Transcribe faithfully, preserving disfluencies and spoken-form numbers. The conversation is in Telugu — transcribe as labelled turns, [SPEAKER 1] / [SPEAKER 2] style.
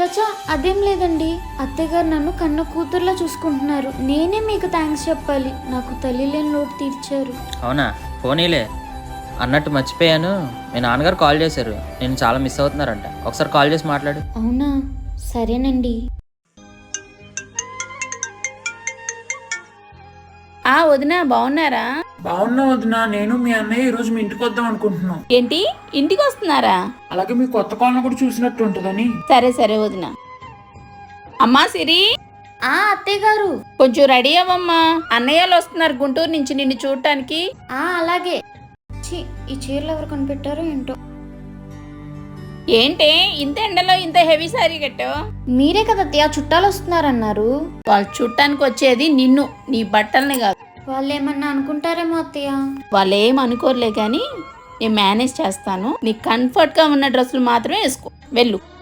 [SPEAKER 1] చచా అదేం లేదండి. అత్తయ్య గారు నన్ను కన్న కూతుర్లా చూసుకుంటున్నారు. నేనే మీకు థ్యాంక్స్ చెప్పాలి. నాకు తల్లి లేని లోటు తీర్చారు.
[SPEAKER 2] అవునా, పోనీలే. అన్నట్టు మర్చిపోయాను, మీ నాన్నగారు కాల్ చేశారు. నేను చాలా మిస్ అవుతున్నారంట. ఒకసారి కాల్ చేసి మాట్లాడు.
[SPEAKER 1] అవునా, సరేనండి.
[SPEAKER 3] ఆ వదినా బాగున్నారా?
[SPEAKER 4] బాగున్నా వదినా. నేను మీ అన్నయ్య ఈ రోజు మీ ఇంటికి వద్దాం అనుకుంటున్నాం.
[SPEAKER 3] ఏంటి ఇంటికి వస్తున్నారా?
[SPEAKER 4] అలాగే మీ కొత్త కాలనీ కూడా చూసినట్టు ఉంటుందని.
[SPEAKER 3] సరే సరే వదినా. అమ్మా సిరి,
[SPEAKER 1] ఆ అత్తయ్య గారు.
[SPEAKER 3] కొంచెం రెడీ అవ్వమ్మా. అన్నయ్యలు వస్తున్నారు గుంటూరు నుంచి నిన్ను చూడటానికి.
[SPEAKER 1] ఆ అలాగే. ఛీ, ఈ చీరలు ఎవరు కనిపెట్టారో ఏంటో.
[SPEAKER 3] ఏంటే ఇంత ఎండలో ఇంత హెవీ సారీ కట్టావు?
[SPEAKER 1] మీరే కదా అత్తయ్య చుట్టాలు వస్తున్నారన్నారు.
[SPEAKER 3] వాళ్ళు చుట్టానికి వచ్చేది నిన్ను, నీ బట్టల్ని కాదు.
[SPEAKER 1] వాళ్ళు ఏమన్నా అనుకుంటారేమో అత్తయ్య.
[SPEAKER 3] వాళ్ళు ఏం అనుకోర్లే కానీ నేను మేనేజ్ చేస్తాను. నీకు కంఫర్ట్గా ఉన్న డ్రెస్సులు మాత్రమే వేసుకో. వెళ్ళు.